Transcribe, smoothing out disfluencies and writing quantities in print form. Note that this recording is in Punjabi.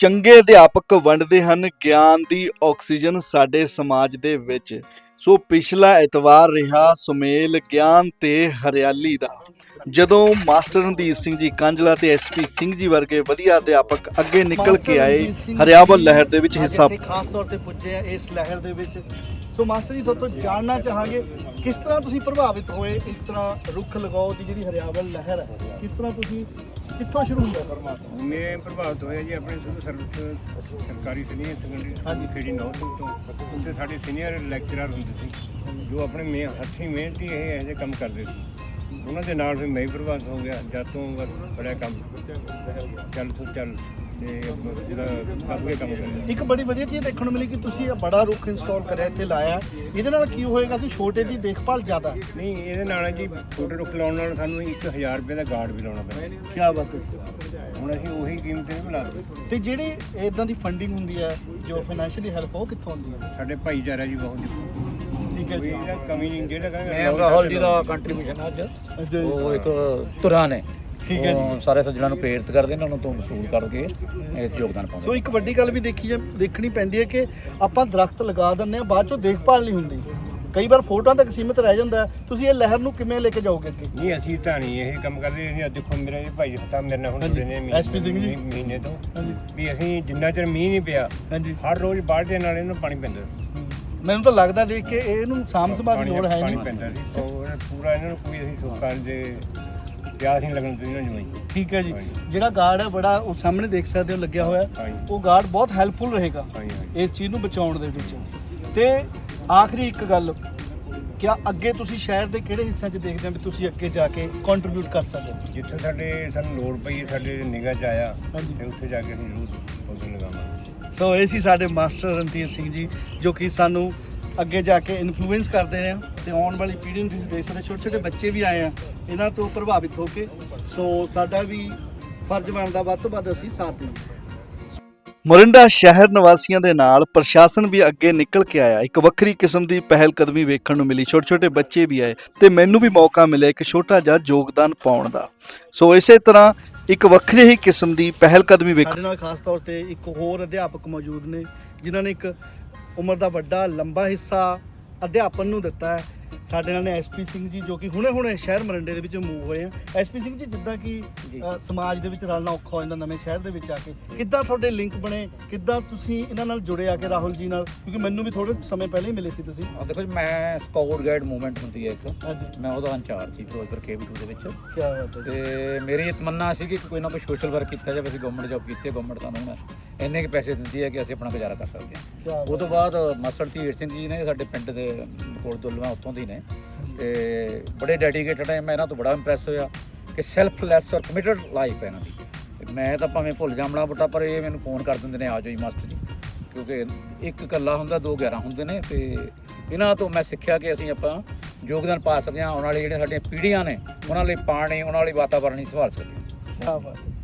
ਚੰਗੇ ਅਧਿਆਪਕ ਵੰਡਦੇ ਹਨ ਗਿਆਨ ਦੀ ਆਕਸੀਜਨ ਸਾਡੇ ਸਮਾਜ ਦੇ ਵਿੱਚ। ਸੋ ਪਿਛਲਾ ਐਤਵਾਰ ਰਿਹਾ ਸੁਮੇਲ ਗਿਆਨ ਤੇ ਹਰਿਆਲੀ ਦਾ, ਜਦੋਂ ਮਾਸਟਰ ਰਣਧੀਰ ਸਿੰਘ ਜੀ ਕਾਂਝਲਾ ਤੇ ਐਸਪੀ ਸਿੰਘ ਜੀ ਵਰਗੇ ਵਧੀਆ ਅਧਿਆਪਕ ਅੱਗੇ ਨਿਕਲ ਕੇ ਆਏ ਹਰਿਆਵਲ ਲਹਿਰ ਦੇ ਵਿੱਚ ਹਿੱਸਾ ਖਾਸ ਤੌਰ ਤੇ ਪੁੱਜੇ ਆ ਇਸ ਲਹਿਰ ਦੇ ਵਿੱਚ। ਸੋ ਮਾਸਟਰ ਜੀ ਤੋਂ ਜਾਣਨਾ ਚਾਹਾਂਗੇ ਕਿਸ ਤਰ੍ਹਾਂ ਤੁਸੀਂ ਪ੍ਰਭਾਵਿਤ ਹੋਏ ਇਸ ਤਰ੍ਹਾਂ ਰੁੱਖ ਲਗਾਓ ਦੀ ਜਿਹੜੀ ਹਰਿਆਵਲ ਲਹਿਰ ਹੈ, ਕਿਸ ਤਰ੍ਹਾਂ ਤੁਸੀਂ ਕਿੱਥੋਂ ਸ਼ੁਰੂ ਹੋਇਆ ਪਰਮਾਤਮਾ? ਮੈਂ ਪ੍ਰਭਾਵਿਤ ਹੋਇਆ ਜੀ ਆਪਣੇ ਸਿਵਲ ਸਰਵਿਸ ਸਰਕਾਰੀ ਸੀਨੀਅਰ ਸੈਕੰਡਰੀ ਸਕੂਲ ਖੇੜੀ ਨੌ ਤੋਂ ਉੱਥੇ ਸਾਡੇ ਸੀਨੀਅਰ ਲੈਕਚਰਰ ਹੁੰਦੇ ਸੀ ਜੋ ਆਪਣੇ ਹੱਥੀਂ ਮਿਹਨਤੀ ਇਹ ਜਿਹੇ ਕੰਮ ਕਰਦੇ ਸੀ। ਉਹਨਾਂ ਦੇ ਨਾਲ ਫਿਰ ਮੈਂ ਵੀ ਪ੍ਰਭਾਵਿਤ ਹੋ ਗਿਆ। ਜਦ ਤੋਂ ਬੜਾ ਕੰਮ ਚੱਲ ਤੋਂ ਚੱਲ ਤੇ ਜਿਹੜਾ ਅੱਗੇ ਕੰਮ ਕਰਿਆ। ਇੱਕ ਬੜੀ ਵਧੀਆ ਚੀਜ਼ ਦੇਖਣ ਨੂੰ ਮਿਲੀ ਕਿ ਤੁਸੀਂ ਇਹ ਬੜਾ ਰੁੱਖ ਇੰਸਟਾਲ ਕਰਿਆ ਇੱਥੇ ਲਾਇਆ। ਇਹਦੇ ਨਾਲ ਕੀ ਹੋਏਗਾ ਕਿ ਛੋਟੇ ਦੀ ਦੇਖਭਾਲ ਜ਼ਿਆਦਾ? ਨਹੀਂ, ਇਹਦੇ ਨਾਲ ਜੀ ਛੋਟੇ ਰੁੱਖ ਲਾਉਣ ਨਾਲ ਸਾਨੂੰ 1000 ਰੁਪਏ ਦਾ ਗਾਰਡ ਵੀ ਲਾਉਣਾ ਪੈਂਦਾ। ਕੀ ਬਾਤ ਹੈ। ਹੁਣ ਅਸੀਂ ਉਹੀ ਕੀਮਤ ਤੇ ਬੁਲਾ ਤੇ ਜਿਹੜੀ ਇਦਾਂ ਦੀ ਫੰਡਿੰਗ ਹੁੰਦੀ ਹੈ ਜੋ ਫਾਈਨੈਂਸ਼ੀਅਲੀ ਹੈਲਪ ਉਹ ਕਿੱਥੋਂ ਆਉਂਦੀ ਹੈ? ਸਾਡੇ ਭਾਈਚਾਰਾ ਜੀ ਬਹੁਤ ਠੀਕ ਹੈ ਜੀ। ਇਹਦਾ ਕਮੀ ਨਹੀਂ ਜਿਹੜਾ ਮੈਂ ਰਾਹੁਲ ਜੀ ਦਾ ਕੰਟਰੀਬਿਊਸ਼ਨ ਅੱਜ ਅੱਛਾ ਜੀ। ਉਹ ਇੱਕ ਧੁਰਾ ਨੇ ਠੀਕ ਹੈ ਜੀ। ਸਾਰੇ ਸੱਜਣਾਂ ਨੂੰ ਪ੍ਰੇਰਿਤ ਕਰਦੇ ਨੇ, ਉਹਨਾਂ ਤੋਂ ਵਸੂਲ ਕਰਕੇ ਇਹ ਯੋਗਦਾਨ ਪਾਉਂਦੇ। ਸੋ ਇੱਕ ਵੱਡੀ ਗੱਲ ਵੀ ਦੇਖਣੀ ਪੈਂਦੀ ਹੈ ਕਿ ਆਪਾਂ ਦਰਖਤ ਲਗਾ ਦਿੰਦੇ ਹਾਂ, ਬਾਅਦ ਚੋਂ ਦੇਖਭਾਲ ਨਹੀਂ ਹੁੰਦੀ। ਕਈ ਵਾਰ ਫੋਟੋਆਂ ਤੱਕ ਸੀਮਿਤ ਰਹਿ ਜਾਂਦਾ। ਤੁਸੀਂ ਇਹ ਲਹਿਰ ਨੂੰ ਕਿਵੇਂ ਲੈ ਕੇ ਜਾਓਗੇ ਅੱਗੇ? ਨਹੀਂ, ਅਸੀਂ ਤਾਂ ਨਹੀਂ ਇਹ ਕੰਮ ਕਰਦੇ। ਅਸੀਂ ਦੇਖੋ ਮੇਰੇ ਭਾਈ ਸਾਹਿਬ ਮੇਰੇ ਨਾਲ ਹੁਣ ਜੁੜੇ ਨੇ SP ਸਿੰਘ ਜੀ। ਮਹੀਨੇ ਤੋਂ ਵੀ ਅਸੀਂ ਜਿੰਨਾ ਚਿਰ ਮੀਂਹ ਨਹੀਂ ਪਿਆ ਹਾਂਜੀ, ਹਰ ਰੋਜ਼ ਬਾਲਟੀਆਂ ਨਾਲ ਇਹਨੂੰ ਪਾਣੀ ਪੈਂਦਾ। ਮੈਨੂੰ ਤਾਂ ਲੱਗਦਾ ਦੇਖ ਕੇ ਇਹਨੂੰ ਸਾਂਭ ਸੰਭਾਲ ਦੀ ਲੋੜ ਹੈ ਪਾਣੀ ਨਹੀਂ। ਪੈਂਦਾ ਸੀ ਪੂਰਾ ਇਹਨਾਂ ਨੂੰ ਕੋਈ ਅਸੀਂ ਸੁੱਕਾ ਦੇ ਪਿਆਸ ਨਹੀਂ ਲੱਗਣ ਦਿੰਦੇ ਇਹਨਾਂ ਨੂੰ। ਠੀਕ ਹੈ ਜੀ। ਜਿਹੜਾ ਗਾਰਡ ਹੈ ਬੜਾ ਉਹ ਸਾਹਮਣੇ ਦੇਖ ਸਕਦੇ ਹੋ ਲੱਗਿਆ ਹੋਇਆ, ਹਾਂਜੀ। ਉਹ ਗਾਰਡ ਬਹੁਤ ਹੈਲਪਫੁਲ ਰਹੇਗਾ ਹਾਂਜੀ। ਇਸ ਚੀਜ਼ ਨੂੰ ਬਚਾਉਣ ਦੇ ਵਿੱਚ। ਤੇ ਆਖਰੀ ਇੱਕ ਗੱਲ, ਕਿਆ ਅੱਗੇ ਤੁਸੀਂ ਸ਼ਹਿਰ ਦੇ ਕਿਹੜੇ ਹਿੱਸਿਆਂ 'ਚ ਦੇਖਦੇ ਹੋ ਵੀ ਤੁਸੀਂ ਅੱਗੇ ਜਾ ਕੇ ਕੰਟਰੀਬਿਊਟ ਕਰ ਸਕਦੇ ਹੋ? ਜਿੱਥੇ ਸਾਨੂੰ ਲੋੜ ਪਈ ਸਾਡੇ ਨਿਗਾਹ 'ਚ ਆਇਆ ਹਾਂਜੀ। ਤੇ ਉੱਥੇ ਜਾ ਕੇ ਅਸੀਂ ਜ਼ਰੂਰ ਪੌਦੇ ਲਗਾਵਾਂਗੇ। ਸੋ ਇਹ ਸੀ ਸਾਡੇ ਮਾਸਟਰ ਰਣਧੀਰ ਸਿੰਘ ਜੀ ਜੋ ਕਿ ਸਾਨੂੰ ਅੱਗੇ ਜਾ ਕੇ ਇਨਫਲੂਐਂਸ ਕਰਦੇ ਆ ਤੇ ਆਉਣ ਵਾਲੀ ਪੀੜ੍ਹੀ ਨੂੰ ਤੁਸੀਂ ਦੇਖ ਸਕਦੇ ਛੋਟੇ ਛੋਟੇ ਬੱਚੇ ਵੀ ਆਏ ਆ ਇਹਨਾਂ ਤੋਂ ਪ੍ਰਭਾਵਿਤ ਹੋ ਕੇ। ਸੋ ਸਾਡਾ ਵੀ ਫਰਜ਼ ਬਣਦਾ ਵੱਧ ਤੋਂ ਵੱਧ ਅਸੀਂ ਸਾਥ ਦੇਈਏ। ਮੋਰਿੰਡਾ ਸ਼ਹਿਰ ਨਿਵਾਸੀਆਂ ਦੇ ਨਾਲ ਪ੍ਰਸ਼ਾਸਨ ਵੀ ਅੱਗੇ ਨਿਕਲ ਕੇ ਆਇਆ। ਇੱਕ ਵੱਖਰੀ ਕਿਸਮ ਦੀ ਪਹਿਲ ਕਦਮੀ ਵੇਖਣ ਨੂੰ ਮਿਲੀ। ਛੋਟੇ ਛੋਟੇ ਬੱਚੇ ਵੀ ਆਏ ਤੇ ਮੈਨੂੰ ਵੀ ਮੌਕਾ ਮਿਲਿਆ ਇੱਕ ਛੋਟਾ ਜਿਹਾ ਯੋਗਦਾਨ ਪਾਉਣ ਦਾ। ਸੋ ਇਸੇ ਤਰ੍ਹਾਂ ਇੱਕ ਵੱਖਰੀ ਹੀ ਕਿਸਮ ਦੀ ਪਹਿਲ ਕਦਮੀ ਵੇਖਣ ਸਾਡੇ ਨਾਲ ਖਾਸ ਤੌਰ ਤੇ ਇੱਕ ਹੋਰ ਅਧਿਆਪਕ ਮੌਜੂਦ ਨੇ ਜਿਨ੍ਹਾਂ ਨੇ ਇੱਕ ਉਮਰ ਦਾ ਵੱਡਾ ਲੰਬਾ ਹਿੱਸਾ ਅਧਿਆਪਨ ਨੂੰ ਦਿੱਤਾ ਹੈ। ਸਾਡੇ ਨਾਲ ਨੇ ਐਸਪੀ ਸਿੰਘ ਜੀ ਜੋ ਕਿ ਹੁਣੇ ਸ਼ਹਿਰ ਮਰਿੰਡੇ ਦੇ ਵਿੱਚ ਮੂਵ ਹੋਏ ਆ। ਐਸਪੀ ਸਿੰਘ ਜੀ, ਜਿੱਦਾਂ ਕਿ ਸਮਾਜ ਦੇ ਵਿੱਚ ਰਲਣਾ ਔਖਾ ਹੋ ਜਾਂਦਾ ਨਵੇਂ ਸ਼ਹਿਰ ਦੇ ਵਿੱਚ ਆ ਕੇ, ਕਿੱਦਾਂ ਤੁਹਾਡੇ ਲਿੰਕ ਬਣੇ? ਕਿੱਦਾਂ ਤੁਸੀਂ ਇਹਨਾਂ ਨਾਲ ਜੁੜੇ ਆ ਕੇ ਰਾਹੁਲ ਜੀ ਨਾਲ? ਕਿਉਂਕਿ ਮੈਨੂੰ ਵੀ ਥੋੜੇ ਸਮੇਂ ਪਹਿਲਾਂ ਹੀ ਮਿਲੇ ਸੀ ਤੁਸੀਂ। ਦੇਖੋ ਜੀ, ਮੈਂ ਸਕਾਊਟ ਗਾਈਡ ਮੂਵਮੈਂਟ ਹੁੰਦੀ ਹੈ ਇੱਕ, ਹਾਂਜੀ। ਮੈਂ ਉਹਦਾ ਇੰਚਾਰਜ ਸੀ ਫਿਰੋਜ਼ਪੁਰ KV2 ਦੇ ਵਿੱਚ। ਕੀ ਬਾਤ ਹੈ। ਤੇ ਮੇਰੀ ਇਹ ਤਮੰਨਾ ਸੀ ਕਿ ਕੋਈ ਨਾ ਕੋਈ ਸੋਸ਼ਲ ਵਰਕ ਕੀਤਾ ਜਾਵੇ। ਅਸੀਂ ਗਵਰਨਮੈਂਟ ਜੌਬ ਕੀਤੀ ਹੈ, ਗਵਰਨਮੈਂਟ ਸਾਨੂੰ ਇੰਨੇ ਕੁ ਪੈਸੇ ਦਿੰਦੀ ਹੈ ਕਿ ਅਸੀਂ ਆਪਣਾ ਗੁਜ਼ਾਰਾ ਕਰ ਸਕਦੇ ਹਾਂ। ਉਹ ਤੋਂ ਬਾਅਦ ਮਾਸਟਰ ਧੀਰ ਸਿੰਘ ਜੀ ਨੇ ਸਾਡੇ ਪਿੰਡ ਦੇ ਕੋਲ ਦੁੱਲਵਾ ਉੱਥੋਂ ਦੀ ਨੇ ਤੇ ਬੜੇ ਡੈਡੀਕੇਟਡ ਹੈ। ਮੈਂ ਇਹਨਾਂ ਤੋਂ ਬੜਾ ਇੰਪ੍ਰੈਸ ਹੋਇਆ ਕਿ ਸੈਲਫਲੈਸ ਔਰ ਕਮਿਟਡ ਲਾਈਫ ਹੈ ਇਹਨਾਂ ਦੀ। ਮੈਂ ਤਾਂ ਭਾਵੇਂ ਭੁੱਲ ਜਾਮਣਾ ਬਟਾ, ਪਰ ਇਹ ਮੈਨੂੰ ਫੋਨ ਕਰ ਦਿੰਦੇ ਨੇ, ਆ ਜਾਓ ਜੀ ਮਾਸਟਰ ਜੀ, ਕਿਉਂਕਿ ਇੱਕ ਇਕੱਲਾ ਹੁੰਦਾ, 2 11 ਹੁੰਦੇ ਨੇ। ਤੇ ਇਹਨਾਂ ਤੋਂ ਮੈਂ ਸਿੱਖਿਆ ਕਿ ਅਸੀਂ ਆਪਾਂ ਯੋਗਦਾਨ ਪਾ ਸਕਦੇ ਹਾਂ। ਆਉਣ ਵਾਲੀ ਜਿਹੜੀਆਂ ਸਾਡੀਆਂ ਪੀੜ੍ਹੀਆਂ ਨੇ ਉਹਨਾਂ ਲਈ ਪਾਣੀ, ਉਹਨਾਂ ਲਈ ਵਾਤਾਵਰਣ ਹੀ ਸੰਭਾਲ ਸਕਦੇ ਹਾਂ। ਕੀ ਬਾਤ ਹੈ।